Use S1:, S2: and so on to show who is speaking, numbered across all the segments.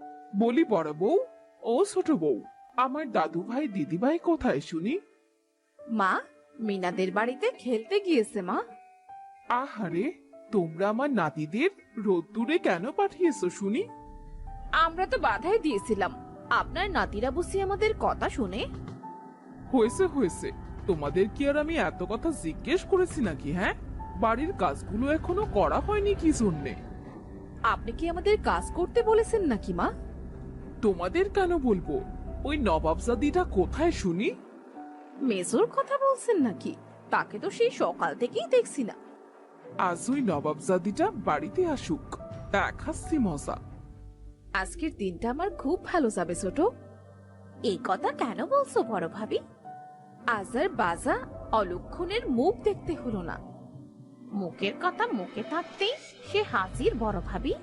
S1: বলি বড় বউ, ও ছোট বউ, আমার দাদু ভাই দিদি ভাই কোথায় শুনি?
S2: মা, মিনাদের বাড়িতে খেলতে গিয়েছে মা।
S1: আহারে, তোমরা আমার নাতিদের রোদ্দুরে কেন পাঠিয়েছো শুনি?
S2: আমরা তো বাধাই দিয়েছিলাম, আপনার নাতিরা বুঝি আমাদের কথা শুনে?
S1: হয়েছে হয়েছে, তোমাদের কি আর আমি এত কথা জিজ্ঞেস করেছি নাকি? হ্যাঁ, বাড়ির কাজগুলো এখনো করা হয়নি কি জন্যে?
S2: আপনি কি আমাদের কাজ করতে বলেছেন নাকি মা?
S1: তোমাদের কেন বলবো? ওই নবাবজাদিটা কোথায় শুনি?
S2: মেজোর কথা বলছেন নাকি? তাকে তো সেই সকাল থেকেই দেখছি না।
S1: আজ ওই নবাবজাদিটা বাড়িতে আসুক, দেখাচ্ছি মজা।
S2: আজকের দিনটা আমার খুব ভালো যাবে ছোট। এই কথা কেন বলছো বড় ভাবি? আজ আর বাজা অলক্ষণের মুখ দেখতে হলো না। মুখের কথা মুখে থাকতেই সে হাজির বড় ভাবি।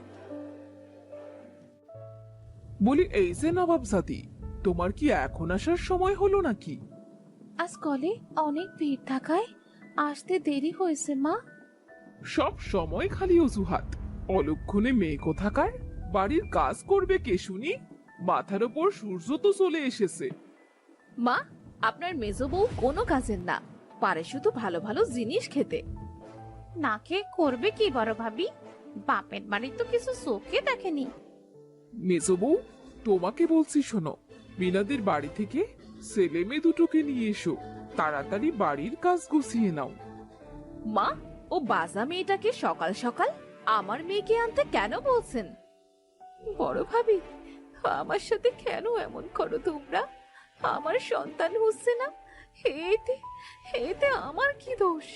S1: বলি এই যে নবাবজাদি, তোমার কি এখন আসার সময় হলো নাকি?
S2: আজ কলে অনেক ভিড় থাকায় আসতে দেরি হয়েছে মা।
S1: সব সময় খালি অজুহাত। অলক্ষণে মেয়ে কোথাকার, বাড়ির কাজ করবে কে শুনি? মাথার ওপর সূর্য তো চলে এসেছে।
S2: মা, আপনার মেজো বউ কোনো কাজের না, পারে শুধু ভালো ভালো জিনিস খেতে। না খেয়ে করবে কি বড় ভাবি? বাপের বাড়ি তো কিছু চোখে দেখেনি।
S1: মেজো বউ, তোমাকে বলছি শোনো, মিনাদের বাড়ি থেকে ছেলে মেয়ে দুটোকে নিয়ে এসো, তাড়াতাড়ি বাড়ির কাজ গুছিয়ে নাও।
S2: মা, ও বাজা মেয়েটাকে সকাল সকাল আমার মেয়েকে আনতে কেন বলছেন? বড় ভাবি, আমার সাথে কেন এমন করো তোমরা? আমার সন্তান হচ্ছে না, এতে এতে আমার কি দোষ?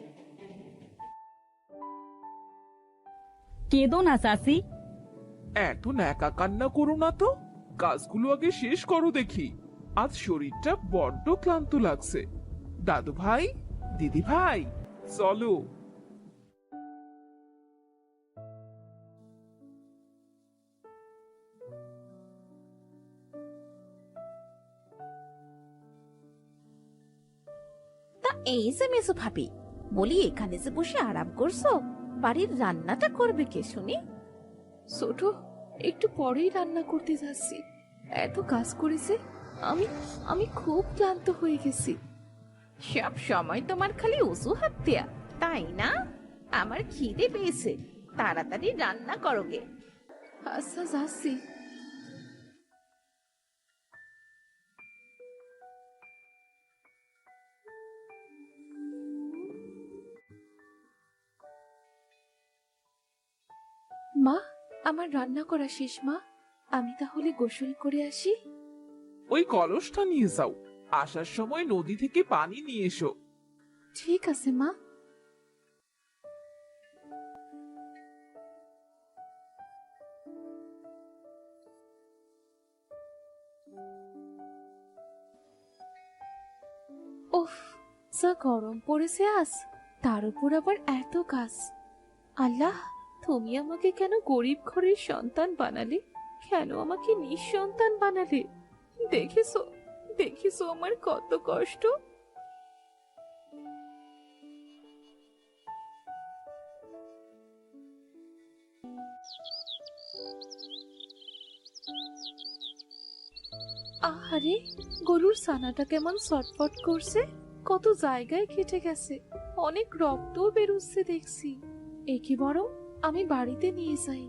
S3: কেঁদো না চাচি।
S1: এত ন্যাকা কান্না করো না তো, কাজগুলো আগে শেষ করো দেখি। আজ শরীরটা বড্ড ক্লান্ত লাগছে। দাদু ভাই, দিদি ভাই, চলো।
S2: তা এই যে মেজো ভাবি, বলি এখানে যে বসে আরাম করছো, বাড়ির রান্নাটা করবে কে শুনি? ছোট, একটু পরেই রান্না করতে যাচ্ছি। এত কাজ করেছে, আমি আমি খুব ক্লান্ত হয়ে গেছি। সব সময় তোমার খালি অজুহাত দেয়া, তাই না? আমার খিদে পেয়েছে, তাড়াতাড়ি রান্না করোগে। আচ্ছা, যাচ্ছি। মা, আমার রান্না করা শেষ মা, আমি তাহলে গোসল করে আসি।
S1: ওই কলসটা নিয়ে যাও, আসার সময় নদী থেকে পানি নিয়ে এসো।
S2: ঠিক আছে মা। উফ, যা গরম পড়েছে আজ, তার উপর আবার এত কাজ। আল্লাহ, তুমি আমাকে কেন গরিব ঘরের সন্তান বানালে? কেন আমাকে নিঃসন্তান বানালে? দেখেছো, দেখেছো আমার কত কষ্ট। আহারে, গরুর ছানাটা কেমন ছটফট করছে, কত জায়গায় কেটে গেছে, অনেক রক্তও বেরোচ্ছে দেখছি। একে বরং আমি বাড়িতে নিয়ে যাই।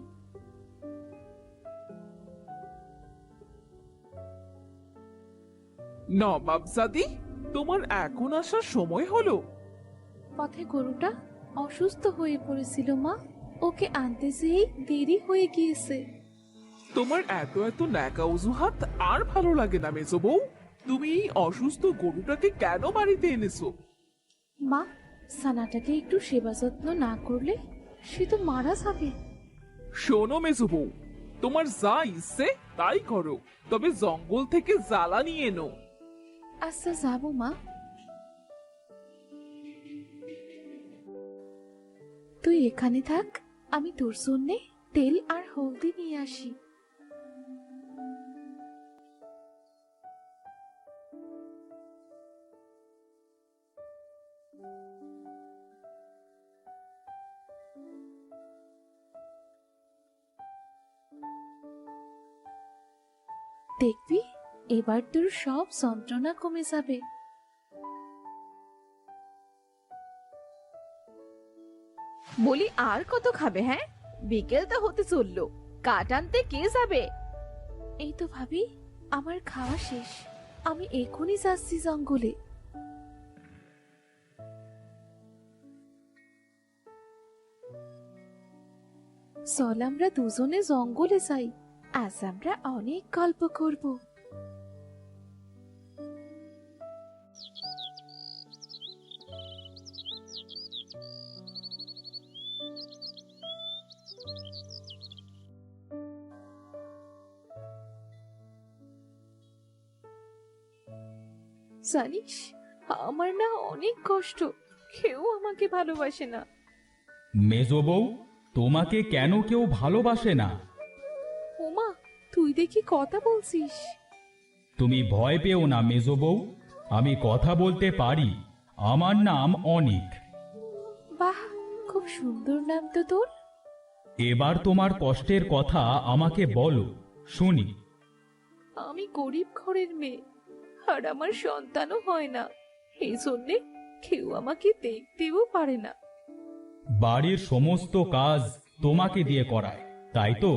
S1: নবাবজাদি, তোমার এখন আসার সময় হলো?
S2: পথে গরুটা অসুস্থ হয়ে পড়েছিল মা, ওকে আনতে যেই দেরি হয়ে গিয়েছে।
S1: তোমার এত এত ন্যাকা অজুহাত আর ভালো লাগে না মেজো বউ। তুমি এই অসুস্থ গরুটাকে কেন বাড়িতে এনেছো?
S2: মা, ছানাটাকে একটু সেবা যত্ন না করলে সে তো মারা যাবে।
S1: শোনো মেজো বউ, তোমার যা ইচ্ছে তাই করো, তবে জঙ্গল থেকে জ্বালা নিয়ে এনো।
S2: আচ্ছা, যাবো মা। তুই এখানে থাক, আমি তোর জন্যে তেল আর হলদি নিয়ে আসি। দেখবি এবার তোর সব যন্ত্রণা কমে যাবে। বলি আর কত খাবে? হ্যাঁ, বিকেল তো হতে চললো, কাঠ আনতে কে যাবে? এই তো ভাবি, আমার খাওয়া শেষ, আমি এখনই যাচ্ছি জঙ্গলে। চল আমরা দুজনে জঙ্গলে যাই, আজ আমরা অনেক গল্প করব। জানিস, আমার না অনেক কষ্ট, কেউ আমাকে ভালোবাসে না।
S3: মেজো বউ, তোমাকে কেন কেউ ভালোবাসে না?
S2: ওমা, তুই দেখি কথা বলছিস।
S3: তুমি ভয় পেও না মেজো বউ, আমি কথা বলতে পারি। আমার নাম অনিক।
S2: বাহ, খুব সুন্দর নাম তো তোর।
S3: এবার তোমার কষ্টের কথা আমাকে বলো, শুনি।
S2: আমি গরিব ঘরের মেয়ে, আর আমার সন্তানও হয় না, এই জন্যে কেউ আমাকে দেখতেও পারে না।
S3: বাড়ির সমস্ত কাজ তোমাকে দিয়ে করায়, তাই তো?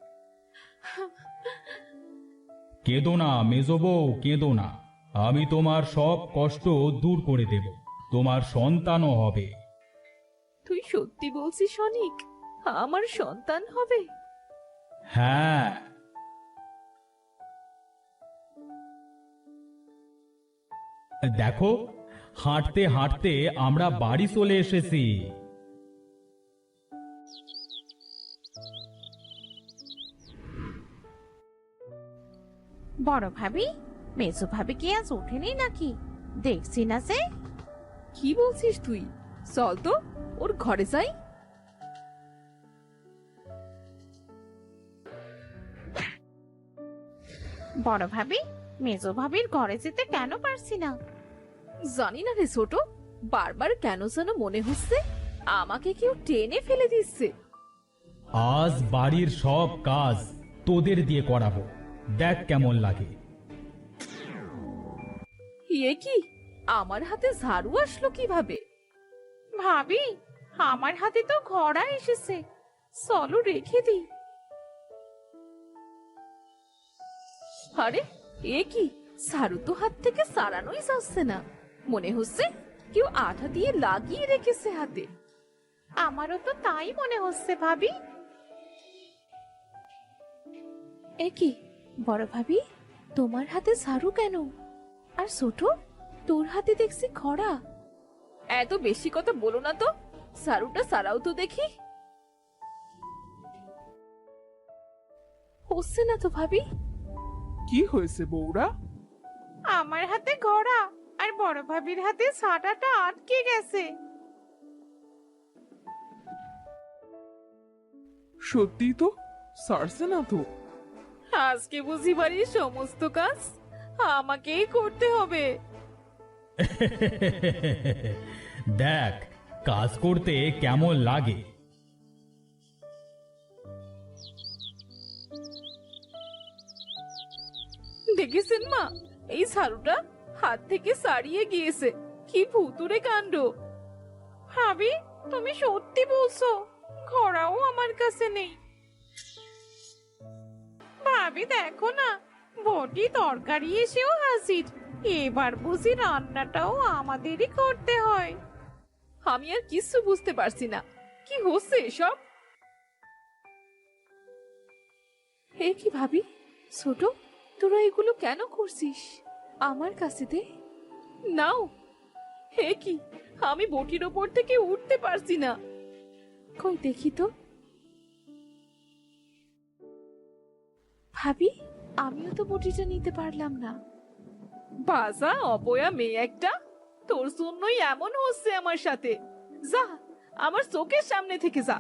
S3: কেঁদো না মেজো বউ, কেঁদো না। আমি তোমার সব কষ্ট দূর করে দেব, তোমার সন্তানও হবে।
S2: তুই সত্যি বলছিস অনিক? আমার সন্তান হবে?
S3: হ্যাঁ। দেখো, হাঁটতে হাঁটতে আমরা বাড়ি চলে এসেছি।
S2: বড় ভাবি, মেজো ভাবি কি আজ ওঠেনি নাকি? দেখছি না যে। কি বলছিস তুই? চল তো ওর ঘরে যাই। বড় ভাবি, মেজো ভাবির ঘরে যেতে কেন পারছি না? জানি না রে ছোট, বারবার কেন যেন মনে হচ্ছে আমাকে কেউ টেনে ফেলে দিচ্ছে।
S3: আজ বাড়ির সব কাজ তোদের দিয়ে করাবো, দেখ কেমন লাগে।
S2: এ কি, আমার হাতে ঝাড়ু আসলো কিভাবে? ভাবি, আমার হাতে তো ঘোড়া এসেছে, চলো রেখে দিই। আরে, এ কি, ঝাড়ু তো হাত থেকে সারানোই যাচ্ছে না, মনে হচ্ছে কেউ আঠা দিয়ে লাগিয়ে রেখেছে হাতে। আমারও তো তাই মনে হচ্ছে ভাবি। এ কি, বড় ভাবি, তোমার হাতে ঝাড়ু কেন? আর ছোট, তোর হাতে দেখছি খড়া। এত বেশি কথা বলো না তো, ঝাড়ুটা সারাও তো দেখি। হচ্ছে না তো ভাবি।
S1: কি হয়েছে বউরা?
S2: আমার হাতে ঘোড়া আর বড় ভাবির হাতে ছাটাটা আটকে গেছে।
S1: সত্যি তো, সারছে না তো।
S2: আজকে বুঝি বাড়ির সমস্ত কাজ আমাকেই করতে হবে।
S3: দেখ, কাজ করতে কেমন লাগে।
S2: দেখেছেন মা, এই ঝাড়ুটা হাত থেকে ছাড়িয়ে গিয়েছে, কি ভুতুরে কাণ্ড। ভাবি, তুমি সত্যি বলছো? ঘোড়াও আমার কাছে নেই। ভাবি দেখো না, বটি তরকারি এসেও হাজির, এবার বুঝি রান্নাটাও আমাদেরই করতে হয়। আমি আর কিছু বুঝতে পারছি না, কি হচ্ছে এসব? হে কি ভাবি, ছোট, তোরা এগুলো কেন করছিস? আমার কাছে দে। নাও। হে কি, আমি বটির ওপর থেকে উঠতে পারছি না। কই দেখি তো। ভাবি, আমিও তো বটিটা নিতে পারলাম না। বাজা অপয়া মেয়ে একটা, তোর জন্যই এমন হচ্ছে আমার সাথে। যা, আমার চোখের সামনে থেকে যা।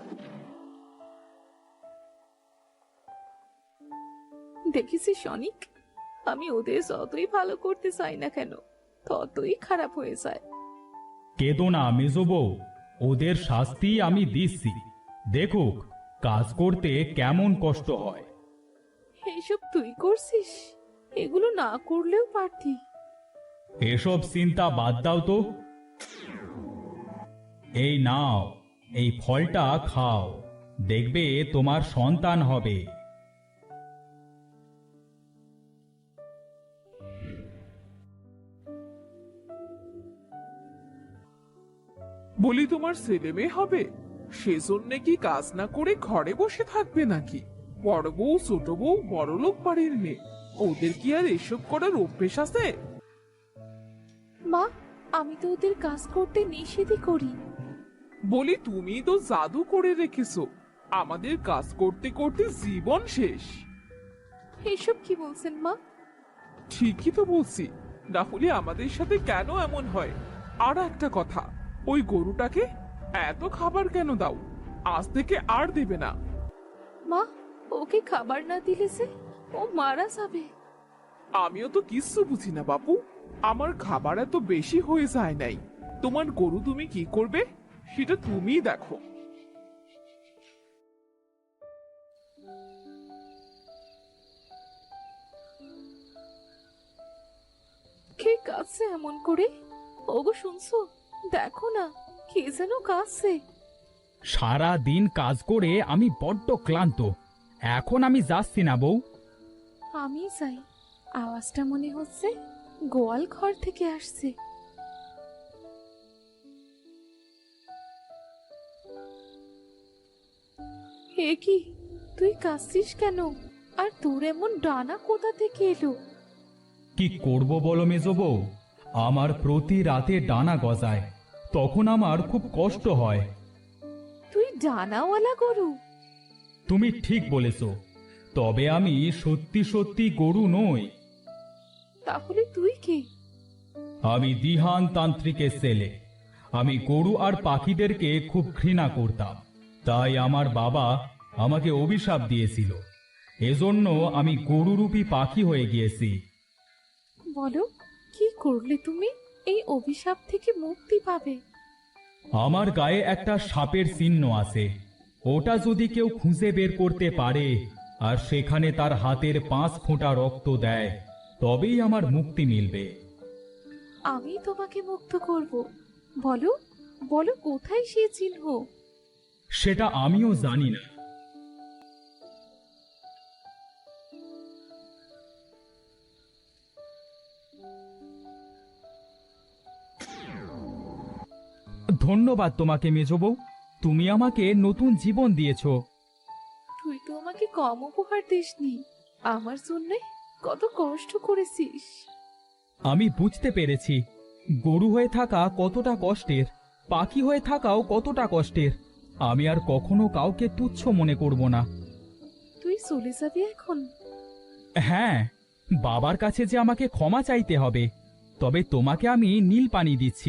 S2: দেখেছিস অনিক, আমি ওদের যতই ভালো করতে চাই না কেন, ততই খারাপ হয়ে যায়।
S3: কেঁদো না মেজো বউ, ওদের শাস্তি আমি দিচ্ছি। দেখুক কাজ করতে কেমন কষ্ট হয়।
S2: এইসব তুই করছিস? এগুলো না করলেও পারতি।
S3: এসব চিন্তা বাদ দাও তো। এই নাও, এই ফলটা খাও, দেখবে তোমার সন্তান হবে।
S1: বলি তোমার ছেলে মেয়ে হবে, সেজন্য কি কাজ না করে ঘরে বসে থাকবে নাকি? বড় বউ ছোট বউ বড়লোক বাড়ির মেয়ে, ওদের কি আর এসব করার অভ্যেস আছে?
S2: মা, আমি তো ওদের কাজ করতে নিষেধই করি।
S1: বলি তুমি তো জাদু করে রেখেছো, আমাদের কাজ করতে করতে জীবন শেষ।
S2: এসব কি বলছেন মা?
S1: ঠিকই তো বলছি, না হলে আমাদের সাথে কেন এমন হয়? আর একটা কথা, ওই গরুটাকে এত খাবার কেন দাও? আজ থেকে আর দেবে না।
S2: মা, ওকে খাবার না দিলে যে ও মারা যাবে।
S1: আমিও তো কিচ্ছু বুঝি না বাপু, আমার খাবার এত বেশি হয়ে যায় নাই। তোমার গরু তুমি কি করবে সেটা তুমিই দেখো।
S2: কে কাঁদছে এমন করে? ওগো শুনছো? দেখো না, কে যেন কাঁদছে।
S3: সারা দিন কাজ করে আমি বড্ড ক্লান্ত, এখন আমি যাচ্ছি না বউ।
S2: আমি যাই, আওয়াজটা মনে হচ্ছে গোয়াল ঘর থেকে আসছে। হে কি, তুই কাঁদছিস কেন? আর তোর এমন ডানা কোথা থেকে এলো?
S3: কি করব বলো মেজো বউ, আমার প্রতি রাতে ডানা গজায়, তখন আমার খুব কষ্ট হয়।
S2: তুই ডানাওয়ালা গরু?
S3: তুমি ঠিক বলেছ, তবে আমি সত্যি সত্যি গরু নই।
S2: তাহলে তুই কে?
S3: আমি দিহান তান্ত্রিকের ছেলে। আমি গরু আর পাখিদেরকে খুব ঘৃণা করতাম, তাই আমার বাবা আমাকে অভিশাপ দিয়েছিল। এজন্য আমি গরুরূপী পাখি হয়ে গিয়েছি।
S2: বলো, কি করলে তুমি এই অভিশাপ থেকে মুক্তি পাবে?
S3: আমার গায়ে একটা সাপের চিহ্ন আছে, ওটা যদি কেউ খুঁজে বের করতে পারে আর সেখানে তার হাতের 5 ফোঁটা রক্ত দেয়, তবেই আমার মুক্তি মিলবে।
S2: আমি তোমাকে মুক্ত করব। বলো, বলো কোথায় সে চিহ্ন?
S3: সেটা আমিও জানি না। ধন্যবাদ তোমাকে মেজো বউ, তুমি আমাকে নতুন জীবন দিয়েছো।
S2: তুই তো আমাকে কম উপহার দিসনি, আমার জন্য কত কষ্ট করেছিস।
S3: আমি বুঝতে পেরেছি গরু হয়ে থাকা কতটা কষ্টের, পাখি হয়ে থাকাও কতটা কষ্টের। আমি আর কখনো কাউকে তুচ্ছ মনে করব না।
S2: তুই চলে যাবি এখন?
S3: হ্যাঁ, বাবার কাছে যে আমাকে ক্ষমা চাইতে হবে, তবে তোমাকে আমি নীল পানি দিচ্ছি।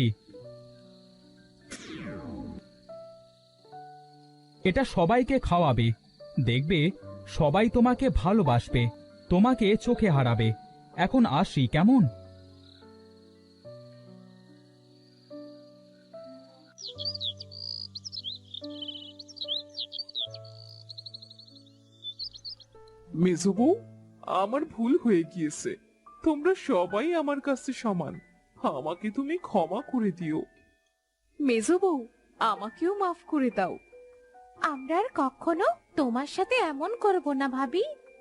S3: এটা সবাইকে খাওয়াবে, দেখবে সবাই তোমাকে ভালোবাসবে, তোমাকে চোখে হারাবে। এখন আসি কেমন?
S1: মেজো বউ, আমার ভুল হয়ে গিয়েছে, তোমরা সবাই আমার কাছে সমান, আমাকে তুমি ক্ষমা করে দিও।
S2: মেজো বউ, আমাকেও মাফ করে দাও। আমরা আর কখনো তোমার সাথে এমন করব না ভাবি।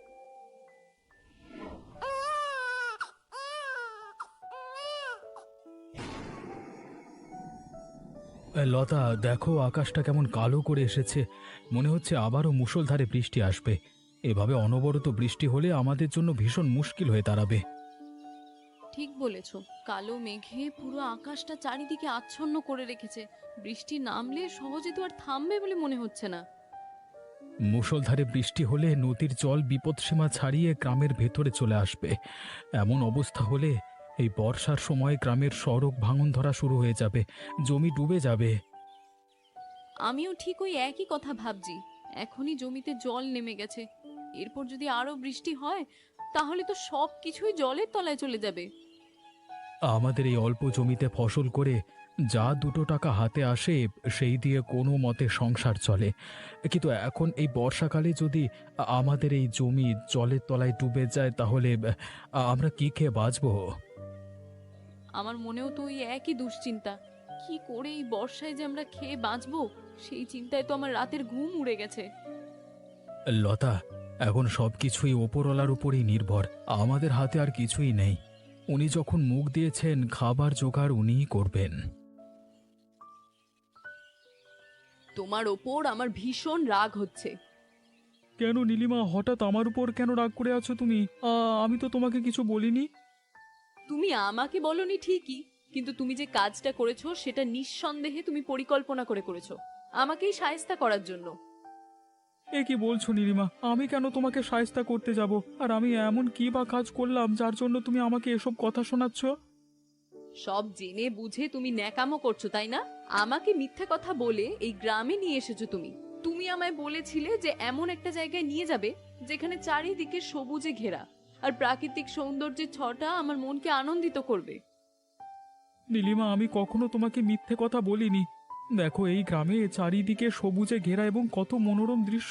S3: লতা, দেখো আকাশটা কেমন কালো করে এসেছে, মনে হচ্ছে আবারও মুষলধারে বৃষ্টি আসবে। এভাবে অনবরত বৃষ্টি হলে আমাদের জন্য ভীষণ মুশকিল হয়ে দাঁড়াবে।
S4: ঠিক বলেছ, কালো মেঘে পুরো আকাশটা চারিদিকে আচ্ছন্ন করে রেখেছে। বৃষ্টি নামলে সহজে তো আর থামবে বলে মনে হচ্ছে না।
S3: মুষলধারে বৃষ্টি হলে নদীর জল বিপদসীমা ছাড়িয়ে গ্রামের ভেতরে চলে আসবে। এমন অবস্থা হলে এই বর্ষার সময় গ্রামের সড়ক ভাঙন ধরা শুরু হয়ে যাবে, জমি ডুবে যাবে।
S4: আমিও ঠিক ওই একই কথা ভাবছি। এখনই জমিতে জল নেমে গেছে, এরপর যদি আরো বৃষ্টি হয় তাহলে তো সব কিছুই জলের তলায় চলে যাবে।
S3: আমাদের এই অল্প জমিতে ফসল করে যা 2 টাকা হাতে আসে সেই দিয়ে কোনো মতে সংসার চলে। কিন্তু এখন এই বর্ষাকালে যদি আমাদের এই জমি জলের তলায় ডুবে যায় তাহলে আমরা কি খেয়ে বাঁচবো?
S4: আমার মনেও তো ওই একই দুশ্চিন্তা। কি করে এই বর্ষায় যে আমরা খেয়ে বাঁচবো, সেই চিন্তায় তো আমার রাতের ঘুম উড়ে গেছে।
S3: লতা, এখন সবকিছুই ওপরওয়ালার উপরই নির্ভর, আমাদের হাতে আর কিছুই নেই। উনি যখন মুখ দিয়েছেন খাবার জোগাড় উনিই করবেন।
S4: তোমার ওপর আমার ভীষণ রাগ হচ্ছে।
S3: কেন নীলিমা, হঠাৎ আমার উপর কেন রাগ করে আছো তুমি? আমি তো তোমাকে কিছু বলিনি।
S4: তুমি আমাকে বলনি ঠিকই, কিন্তু তুমি যে কাজটা করেছো সেটা নিঃসন্দেহে তুমি পরিকল্পনা করে করেছো, আমাকেই শায়েস্তা করার জন্য।
S3: এ কি বলছো নীলিমা? আমি কেন তোমাকে শায়েস্তা করতে যাব? আর আমি এমন কি বা কাজ করলাম যার জন্য তুমি আমাকে এসব কথা শোনাচ্ছ?
S4: সব জেনে বুঝে তুমি ন্যাকামো করছো, তাই না? আমাকে মিথ্যে কথা বলে এই গ্রামে নিয়ে এসেছো তুমি। তুমি আমায় বলেছিলে যে এমন একটা জায়গায় নিয়ে যাবে যেখানে চারিদিকে সবুজে ঘেরা আর প্রাকৃতিক সৌন্দর্যের ছটা আমার মনকে আনন্দিত করবে।
S3: নীলিমা, আমি কখনো তোমাকে মিথ্যে কথা বলিনি। দেখো, এই গ্রামে চারিদিকে সবুজে ঘেরা এবং কত মনোরম দৃশ্য।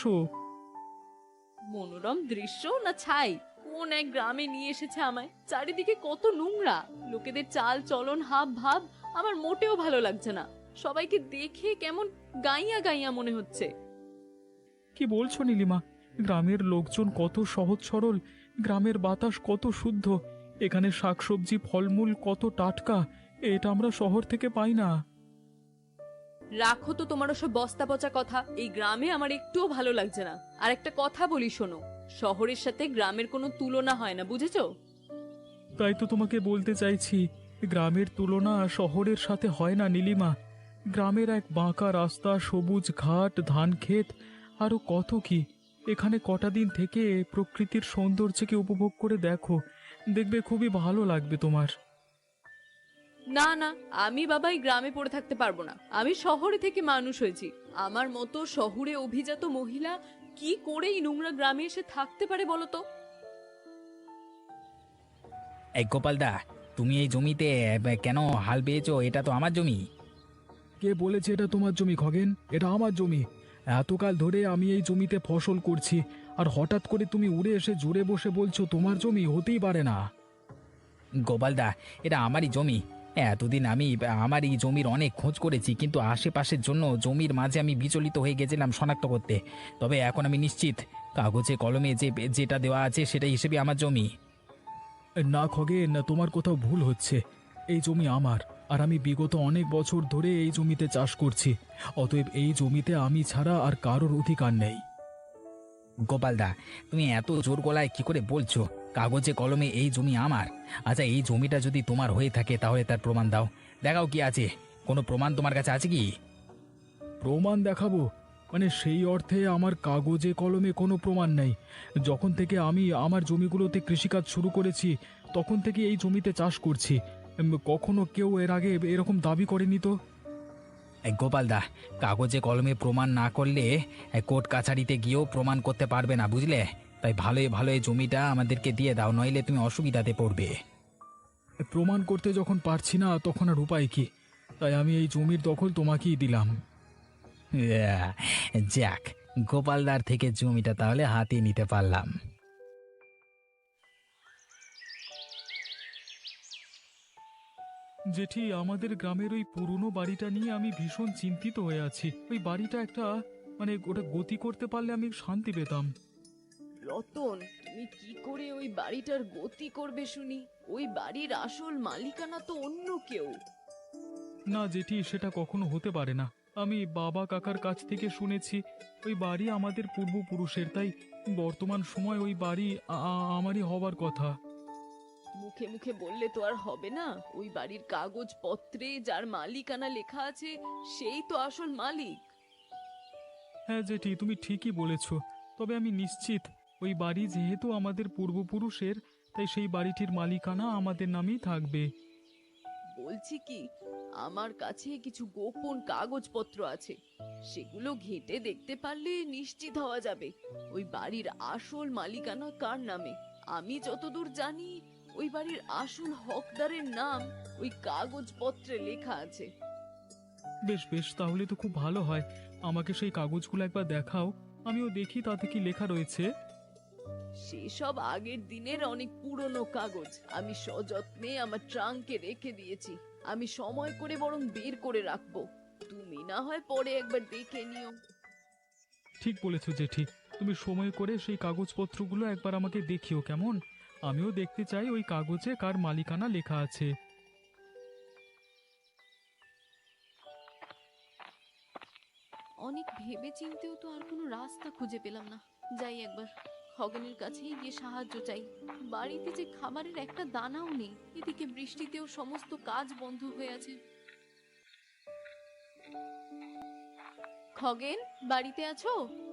S4: মনোরম দৃশ্য না ছাই? কোন এক গ্রামে নিয়ে এসেছে আমায়, চারিদিকে কত নোংরা, লোকেদের চাল চলন হাব ভাব আমার মোটেও ভালো লাগছে না। সবাইকে দেখে কেমন গাইয়া গাইয়া মনে হচ্ছে।
S3: কি বলছো নীলিমা? গ্রামের লোকজন কত সহজ সরল, গ্রামের বাতাস কত শুদ্ধ, এখানে শাকসবজি ফলমূল কত টাটকা, এটা আমরা শহর থেকে পাই না।
S4: রাখো তো তোমার ওসব বস্তা পচা কথা, এই গ্রামে আমার একটুও ভালো লাগছে না। আর একটা কথা বলি শোনো, শহরের সাথে গ্রামের কোনো তুলনা হয় না, বুঝেছো?
S3: তাই তো তোমাকে বলতে চাইছি, গ্রামের তুলনা শহরের সাথে হয় না নীলিমা। গ্রামের এক বাঁকা রাস্তা, সবুজ ঘাট, ধান ক্ষেত, আরো কত কি। এখানে কটা দিন থেকে প্রকৃতির সৌন্দর্যকে উপভোগ করে দেখো, দেখবে খুবই ভালো লাগবে তোমার।
S4: না না, আমি বাবা এই গ্রামে পড়ে থাকতে পারবো না। আমি শহরে থেকে মানুষ হয়েছি, আমার মতো শহুরে অভিজাত মহিলা কি করে এই নোংরা গ্রামে এসে থাকতে পারে বলো তো?
S5: এই গোপালদা, তুমি এই জমিতে কেন হাল বেয়েছো? এটা তো আমার জমি।
S3: কে বলেছে এটা তোমার জমি খগেন? এটা আমার জমি। এতকাল ধরে আমি এই জমিতে ফসল করছি, আর হঠাৎ করে তুমি উড়ে এসে জুড়ে বসে বলছো তোমার জমি? হতেই পারে না।
S5: গোপালদা, এটা আমারই জমি। এতদিন আমি আমার এই জমির অনেক খোঁজ করেছি, কিন্তু আশেপাশের জন্য জমির মাঝে আমি বিচলিত হয়ে গেছিলাম শনাক্ত করতে। তবে এখন আমি নিশ্চিত, কাগজে কলমে যেটা দেওয়া আছে সেটা হিসেবে আমার জমি।
S3: না খগেন, না, তোমার কোথাও ভুল হচ্ছে। এই জমি আমার, আর আমি বিগত অনেক বছর ধরে এই জমিতে চাষ করছি। অতএব এই জমিতে আমি ছাড়া আর কারোর অধিকার নেই।
S5: গোপালদা, তুমি এত জোর গলায় কি করে বলছো কাগজে কলমে এই জমি আমার? আচ্ছা, এই জমিটা যদি তোমার হয়ে থাকে তাহলে তার প্রমাণ দাও, দেখাও কি আছে। কোনো প্রমাণ তোমার কাছে আছে কি?
S3: প্রমাণ দেখাবো? মানে সেই অর্থে আমার কাগজে কলমে কোনো প্রমাণ নেই। যখন থেকে আমি আমার জমিগুলোতে কৃষিকাজ শুরু করেছি তখন থেকে এই জমিতে চাষ করছি। কখনো কেউ এর আগে এরকম দাবি করেনি তো।
S5: এই গোপালদা, কাগজে কলমে প্রমাণ না করলে কোর্ট কাছারিতে গিয়েও প্রমাণ করতে পারবে না, বুঝলে? তাই ভালোই ভালো এই জমিটা আমাদেরকে দিয়ে দাও, নইলে তুমি অসুবিধাতে পড়বে।
S3: প্রমাণ করতে যখন পারছি না তখন আর উপায় কি? তাই আমি এই জমির দখল তোমাকেই দিলাম।
S5: যাক, গোপালদার থেকে জমিটা তাহলে হাতিয়ে নিতে পারলাম।
S3: জেঠি, আমাদের গ্রামের ওই পুরনো বাড়িটা নিয়ে আমি ভীষণ চিন্তিত হয়ে আছি। ওই বাড়িটা একটা, মানে ওটা গতি করতে পারলে আমি শান্তি পেতাম।
S4: রতন, তুমি কি করে ওই বাড়িটার গতি করবে শুনি? ওই বাড়ির আসল মালিকানা তো অন্য কেউ।
S3: না জেঠি, সেটা কখনো হতে পারে না। আমি বাবা কাকার কাছ থেকে শুনেছি ওই বাড়ি আমাদের পূর্বপুরুষের, তাই বর্তমান সময় ওই বাড়ি আমারই হবার কথা।
S4: মুখে মুখে বললে তো আর হবে না। ওই বাড়ির কাগজপত্রে যার মালিকানা লেখা আছে সেই তো আসল মালিক।
S3: হ্যাঁ জেঠি, তুমি ঠিকই বলেছ। তবে আমি নিশ্চিত ওই বাড়ি যেহেতু আমাদের পূর্বপুরুষের, তাই সেই বাড়িটির মালিকানা আমাদের নামেই থাকবে।
S4: বলছি কি, আমার কাছে কিছু গোপন কাগজপত্র আছে, সেগুলো ঘেঁটে দেখতে পারলে নিশ্চিত হওয়া যাবে ওই বাড়ির আসল মালিকানা কার নামে। আমি যতদূর জানি ওই বাড়ির আসল হকদারের নাম ওই কাগজপত্রে লেখা আছে।
S3: বেশ বেশ, তাহলে তো খুব ভালো হয়। আমাকে সেই কাগজগুলো একবার দেখাও, আমিও দেখি তাতে কি লেখা রয়েছে।
S4: সেসব আগের দিনের অনেক পুরনো কাগজ আমি সযত্নে আমার ট্রাঙ্কে রেখে দিয়েছি। আমি সময় করে বরং বের করে রাখবো, তুমি না হয় পরে একবার দেখে নিও।
S3: ঠিক বলেছো জেঠি, তুমি সময় করে সেই কাগজপত্রগুলো একবার আমাকে দেখিও কেমন। আমিও দেখতে চাই ওই কাগজে কার মালিকানা লেখা আছে।
S4: অনেক ভেবে চিন্তেও তো আর কোনো রাস্তা খুঁজে পেলাম না। যাই একবার খগেনের কাছেই গিয়ে সাহায্য চাই। বাড়িতে যে খাবারের একটা দানাও নেই, এদিকে বৃষ্টিতেও সমস্ত কাজ বন্ধ হয়ে আছে। খগেন, বাড়িতে আছো?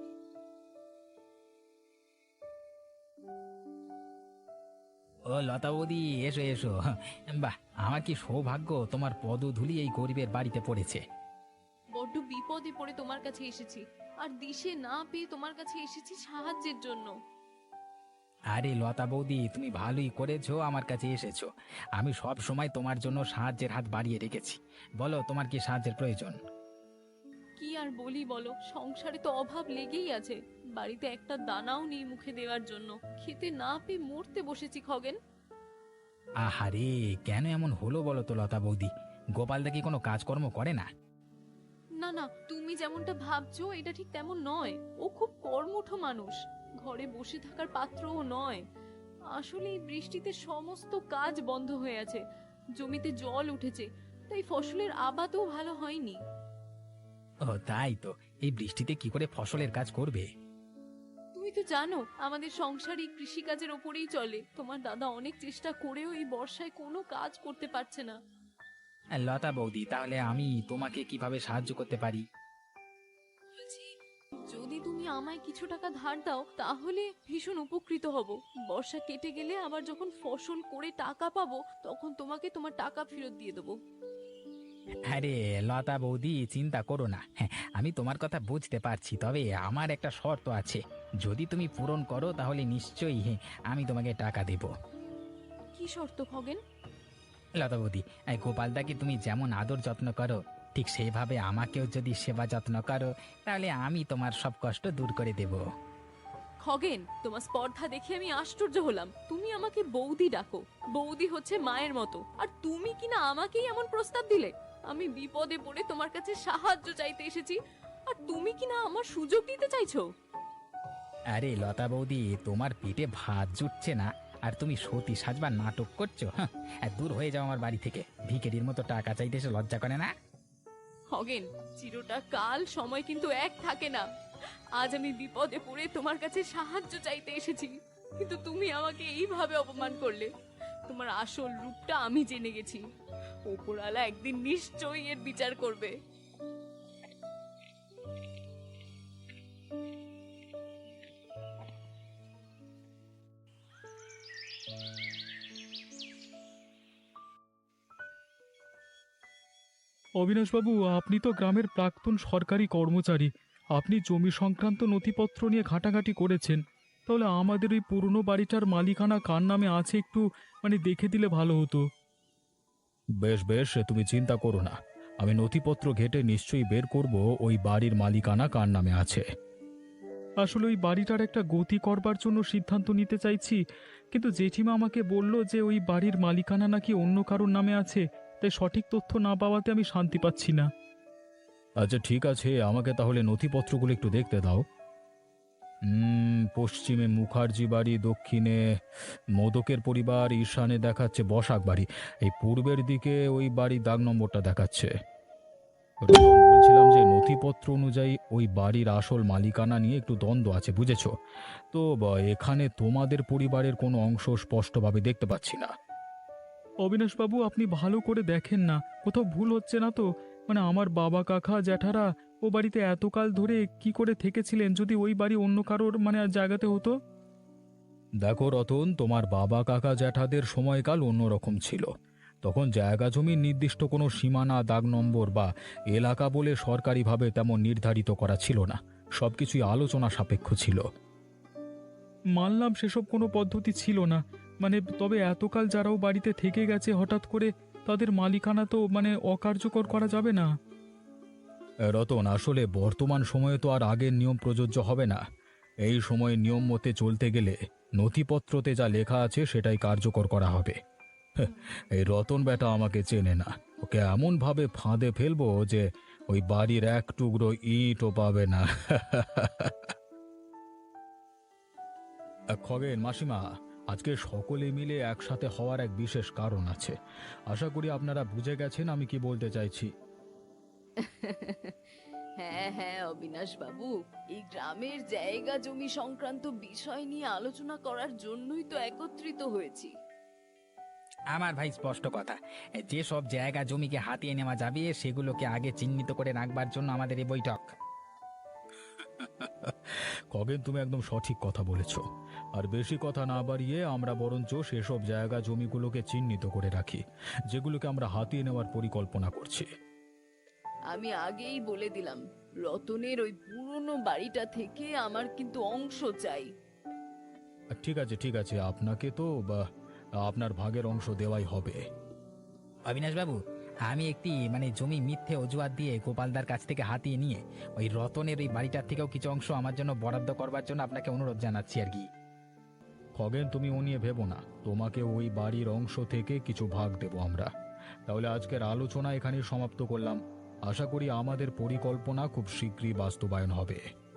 S5: ও লতা বৌদি, এসো এসো। বাহ, আমার কি সৌভাগ্য, তোমার পদধূলি এই গরিবের বাড়িতে পড়েছে।
S4: বড্ড বিপদে পড়ে তোমার কাছে এসেছি, আর দিশে না পেয়ে তোমার কাছে এসেছি সাহায্যের জন্য।
S5: আরে লতা বৌদি, তুমি ভালোই করেছো আমার কাছে এসেছো। আমি সব সময় তোমার জন্য সাহায্যের হাত বাড়িয়ে রেখেছি। বলো, তোমার কি সাহায্যের প্রয়োজন?
S4: কি আর বলি বলো, সংসারে তো অভাব লেগেই আছে। বাড়িতে একটা দানাও নেই মুখে দেওয়ার জন্য, খেতে না পেয়ে মরতে বসেছি খগেন।
S5: আহারে, কেন এমন হলো বলো তো লতা বৌদি? গোপালদা কি কোনো কাজকর্ম করে না?
S4: না না, তুমি যেমনটা ভাবছো এটা ঠিক তেমন নয়। ও খুব কর্মঠ মানুষ, ঘরে বসে থাকার পাত্রও নয়। আসলে এই বৃষ্টিতে সমস্ত কাজ বন্ধ হয়ে আছে, জমিতে জল উঠেছে, তাই ফসলের আবাদও ভালো হয়নি।
S5: ও তাই তো, এই বৃষ্টিতে কি করে ফসলের কাজ করবে?
S4: তুমি তো জানো আমাদের সংসার এই কৃষিকাজের ওপরেই চলে। তোমার দাদা অনেক চেষ্টা করেও এই বর্ষায় কোনো কাজ করতে পারছে না।
S5: লতা বৌদি, তাহলে আমি তোমাকে কিভাবে সাহায্য করতে পারি?
S4: বলছি, যদি তুমি আমায় কিছু টাকা ধার দাও তাহলে ভীষণ উপকৃত হব। বর্ষা কেটে গেলে আবার যখন ফসল করে টাকা পাবো তখন তোমাকে তোমার টাকা ফেরত দিয়ে দেবো।
S5: আরে লতা বৌদি, চিন্তা করো না। হ্যাঁ, আমি তোমার কথা বুঝতে পারছি, তবে আমার একটা শর্ত আছে। যদি তুমি পূরণ করো তাহলে নিশ্চয়ই আমি তোমাকে টাকা দেব।
S4: কি শর্ত খগেন?
S5: লতা বৌদি, এই গোপালদাকে তুমি যেমন আদর যত্ন করো, ঠিক সেইভাবে আমাকেও যদি সেবা যত্ন করো, তাহলে আমি তোমার সব কষ্ট দূর করে দেব।
S4: খগেন, তোমার স্পর্ধা দেখে আমি আশ্চর্য হলাম। তুমি আমাকে বৌদি ডাকো, বৌদি হচ্ছে মায়ের মতো, আর তুমি কিনা আমাকেই এমন প্রস্তাব দিলে। আমি বিপদে পড়ে তোমার কাছে সাহায্য চাইতে এসেছি, আর তুমি কিনা আমার সুযোগ দিতে চাইছো।
S5: আরে লতা বৌদি, তোমার পেটে ভাত জুটছে না আর তুমি সতী সাজবার নাটক করছো? হ্যাঁ, দূর হয়ে যাও আমার বাড়ি থেকে। ভিখারির মতো টাকা চাইতে এসে লজ্জা করে না?
S4: খগেন, চিরটা কাল সময় কিন্তু এক থাকে না। আজ আমি বিপদে পড়ে তোমার কাছে সাহায্য চাইতে এসেছি, কিন্তু তুমি আমাকে এইভাবে অপমান করলে। তোমার আসল রূপটা আমি জেনে গেছি। ওপরওয়ালা একদিন নিশ্চয়ই এর বিচার করবে।
S3: অবিনাশবাবু, আপনি তো গ্রামের প্রাক্তন সরকারি কর্মচারী। আপনি জমি সংক্রান্ত নথিপত্র নিয়ে ঘাটাঘাটি করেছেন। তাহলে আমাদের ওই পুরনো বাড়িটার মালিকানা কার নামে আছে একটু দেখে দিলে ভালো হতো। বেশ বেশ, তুমি চিন্তা করো না, আমি নথিপত্র ঘেটে নিশ্চয়ই বের করব ওই বাড়ির মালিকানা কার নামে আছে। আসলে ওই বাড়িটার একটা গতি করবার জন্য সিদ্ধান্ত নিতে চাইছি, কিন্তু জেঠিমা আমাকে বলল যে ওই বাড়ির মালিকানা নাকি অন্য কারোর নামে আছে, তাই সঠিক তথ্য না পাওয়াতে আমি শান্তি পাচ্ছি না। আচ্ছা ঠিক আছে, আমাকে তাহলে নথিপত্রগুলো একটু দেখতে দাও। পশ্চিমে মুখার্জি বাড়ি, দক্ষিণে মোদকের পরিবার, ঈশানে দেখাচ্ছে বসাক বাড়ি, এই পূর্বের দিকে ওই বাড়ির দাগ নম্বরটা দেখাচ্ছে। রতন, বলছিলাম যে নথিপত্র অনুযায়ী ওই বাড়ির আসল মালিকানা নিয়ে একটু দ্বন্দ্ব আছে, বুঝেছো তো? এখানে তোমাদের পরিবারের কোনো অংশ স্পষ্টভাবে দেখতে পাচ্ছি না। অবিনাশবাবু, আপনি ভালো করে দেখেন না, কোথাও ভুল হচ্ছে না তো? আমার বাবা কাকা জ্যাঠারা ও বাড়িতে এতকাল ধরে কি করে থেকেছিলেন, যদি ওই বাড়ি অন্য কারোর জায়গাতে হতো? দেখো রতন, তোমার বাবা কাকা জ্যাঠাদের সময়কাল অন্যরকম ছিল। তখন জায়গা জমির নির্দিষ্ট কোনো সীমানা, দাগ নম্বর বা এলাকা বলে সরকারিভাবে তেমন নির্ধারিত করা ছিল না। সবকিছুই আলোচনা সাপেক্ষ ছিল। মানলাম সেসব কোনো পদ্ধতি ছিল না, তবে এতকাল যারাও বাড়িতে থেকে গেছে, হঠাৎ করে তাদের মালিকানা তো অকার্যকর করা যাবে না। রতন, আসলে বর্তমান সময়ে তো আর আগের নিয়ম প্রযোজ্য হবে না। এই সময়ে নিয়ম মতে চলতে গেলে নথিপত্রতে যা লেখা আছে সেটাই কার্যকর করা হবে। এই রতন বেটা আমাকে চেনে না, ওকে এমন ভাবে ফাঁদে ফেলবো যে ওই বাড়ির এক টুকরো ইটও পাবে না। খগেন, মাসিমা, আজকে সকলে মিলে একসাথে হওয়ার এক বিশেষ কারণ আছে। আশা করি আপনারা বুঝে গেছেন আমি কি বলতে চাইছি।
S4: হ্যাঁ হ্যাঁ অবিনাশ বাবু, এই গ্রামের জায়গা জমি সংক্রান্ত বিষয় নিয়ে আলোচনা করার জন্যই তো একত্রিত হয়েছি।
S5: আমার ভাই স্পষ্ট কথা, যে সব জায়গা জমিকে হাতিয়ে নেওয়া যাবে সেগুলোকে আগে চিহ্নিত করে রাখবার জন্য আমাদের এই বৈঠক।
S3: খগেন, তুমি একদম সঠিক কথা বলেছ। আর বেশি কথা না বাড়িয়ে আমরা বরঞ্চ সেসব জায়গা জমিগুলোকে চিহ্নিত করে রাখি যেগুলোকে আমরা হাতিয়ে নেওয়ার পরিকল্পনা করছি।
S4: আমি আগেই বলে দিলাম, রতনের ওই পুরনো বাড়িটা থেকে আমার কিন্তু অংশ চাই।
S3: ঠিক আছে, ঠিক আছে, আপনাকে তো আপনার ভাগের অংশ দেওয়াই হবে।
S5: অবিনাশ বাবু, আমি একটি জমি মিথ্যে অজুহাত দিয়ে গোপালদার কাছ থেকে হাতিয়ে নিয়ে ওই রতনের ওই বাড়িটার থেকেও কিছু অংশ আমার জন্য বরাদ্দ করবার জন্য আপনাকে অনুরোধ জানাচ্ছি আর কি।
S3: খগেন, তুমি ও নিয়ে ভেবো না, তোমাকে ওই বাড়ির অংশ থেকে কিছু ভাগ দেব আমরা। তাহলে আজকের আলোচনা এখানেই সমাপ্ত করলাম। আশা করি আমাদের পরিকল্পনা খুব শীঘ্রই বাস্তবায়ন হবে।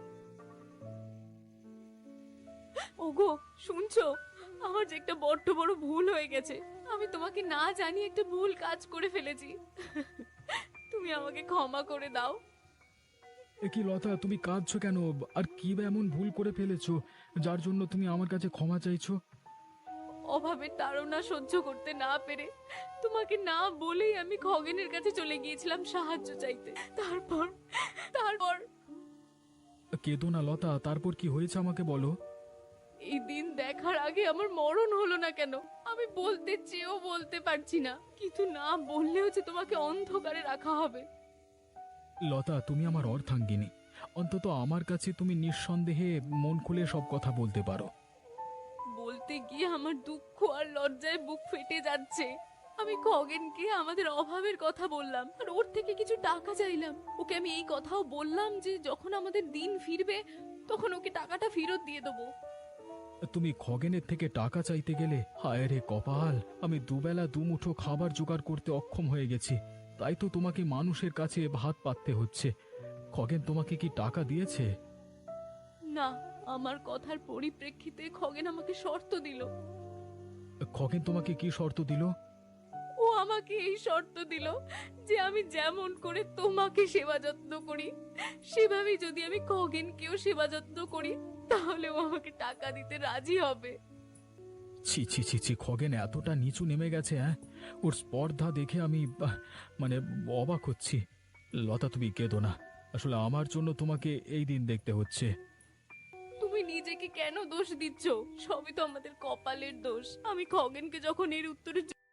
S4: ওগো, শুনছো? আমার যে একটা বড্ড বড় ভুল হয়ে গেছে। আমি তোমাকে না জানিয়ে একটা ভুল কাজ করে ফেলেছি। তুমি আমাকে ক্ষমা করে দাও।
S3: এ কি লতা, তুমি কাঁদছো কেন? আর কি বা এমন ভুল করে ফেলেছো যার জন্য তুমি আমার কাছে ক্ষমা চাইছো?
S4: অভাবের তাড়না সহ্য করতে না পেরে তোমাকে না বলেই আমি খগেনের কাছে চলে গিয়েছিলাম সাহায্য চাইতে। তারপর তারপর
S3: কেঁদো না লতা, তারপর কি হয়েছে আমাকে বলো।
S4: এই দিন দেখার আগে আমার মরণ হলো না কেন? আমি বলতে চেয়েও বলতে পারছি না, কিন্তু না বললেও যে তোমাকে অন্ধকারে রাখা হবে।
S3: লতা, তুমি আমার অর্ধাঙ্গিনী, অন্তত আমার কাছে তুমি নিঃসন্দেহে মন খুলে সব কথা বলতে পারো।
S4: বলতে গিয়ে আমার দুঃখ আর লজ্জায় বুক ফেটে যাচ্ছে। আমি খগেনকে আমাদের অভাবের কথা বললাম আর ওর থেকে কিছু টাকা চাইলাম। ওকে আমি এই কথাও বললাম যে যখন আমাদের দিন ফিরবে তখন ওকে টাকাটা ফেরত দিয়ে দেবো।
S3: তুমি খগেনের থেকে টাকা চাইতে গেলে? হায় রে কপাল, আমি দুবেলা দুমুঠো খাবার জোগাড় করতে অক্ষম হয়ে গেছি, তাই তো তোমাকে মানুষের কাছে ভাত পাততে হচ্ছে। খগেন তোমাকে কি টাকা দিয়েছে?
S4: না, আমার কথার পরিপ্রেক্ষিতে খগেন আমাকে শর্ত দিল।
S3: খগেন তোমাকে কি শর্ত দিল?
S4: ও আমাকে এই শর্ত দিল যে আমি যেমন করে তোমাকে সেবা যত্ন করি সেভাবেই যদি আমি খগেনকেও সেবা যত্ন করি তাহলে ও আমাকে টাকা দিতে রাজি হবে।
S3: ছি ছি ছি ছি, খগেন এতটা নিচু নেমে গেছে? হ্যাঁ, ওর স্পর্ধা দেখে আমি অবাক হচ্ছি। লতা, তুমি কেঁদো না, আসলে আমার জন্য তোমাকে এই দিন দেখতে হচ্ছে।
S4: তুমি নিজেকে কেন দোষ দিচ্ছ? সবই তো আমাদের কপালের দোষ। আমি খগেনকে যখন এর উত্তরে